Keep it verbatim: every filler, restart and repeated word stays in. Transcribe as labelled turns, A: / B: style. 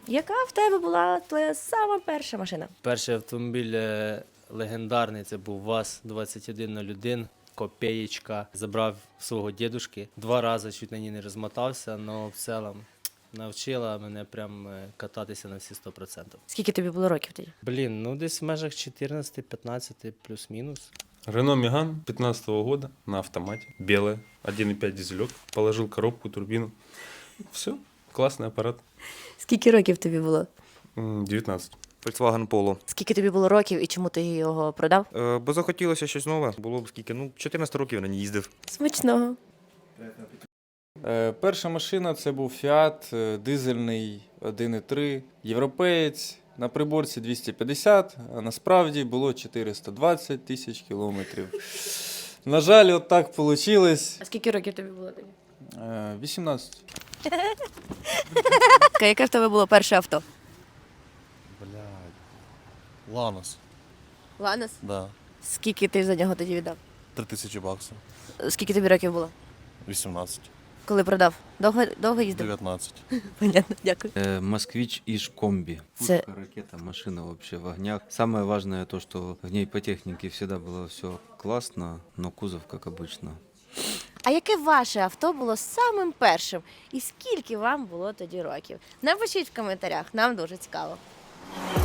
A: Яка в тебе була твоя сама перша машина?
B: Перший автомобіль е, легендарний, це був ВАЗ двадцять один нуль один, копеєчка. Забрав свого дідушки. Два рази чуть на ній не розмотався, але в цілому навчила мене прям е, кататися на всі сто відсотків.
A: Скільки тобі було років тоді?
B: Блін, ну десь в межах чотирнадцять п'ятнадцять плюс-мінус.
C: Рено Меган пятнадцатого года на автомате, белая, один и пять дизелек, положил коробку, турбину. Все, классный аппарат.
A: Скільки років тобі було?
C: М, девятнадцать.
D: Volkswagen Polo.
A: Скільки тобі було років і чому ти його продав?
D: Е, бо захотілося щось нове. Було б скільки, ну, чотирнадцять років на ній їздив.
A: Смачного.
E: Е, Перша машина це був Fiat, е, дизельний один і три, європеєць, на приборці двісті п'ятдесят, а насправді було чотириста двадцять тисяч кілометрів. На жаль, от так вийшло.
A: А скільки років тобі було тоді?
E: вісімнадцять.
A: Яке в тебе було перше авто?
F: Блядь. Ланос,
A: Ланос.
F: да.
A: Скільки ти за нього тоді віддав?
F: Три тисячі баксів.
A: Скільки тобі років було?
F: вісімнадцять.
A: Коли продав? Довго, довго їздив?
F: дев'ятнадцять.
A: Понятно, дякую.
G: Э, Москвич Иж Комби.
A: Це-
G: Пушка, ракета, машина вообще в огнях. Самое важное то, что в ней по технике всегда было все классно, но кузов, как обычно.
A: А яке ваше авто було самим першим? І скільки вам було тоді років? Напишіть в коментарях, нам дуже цікаво.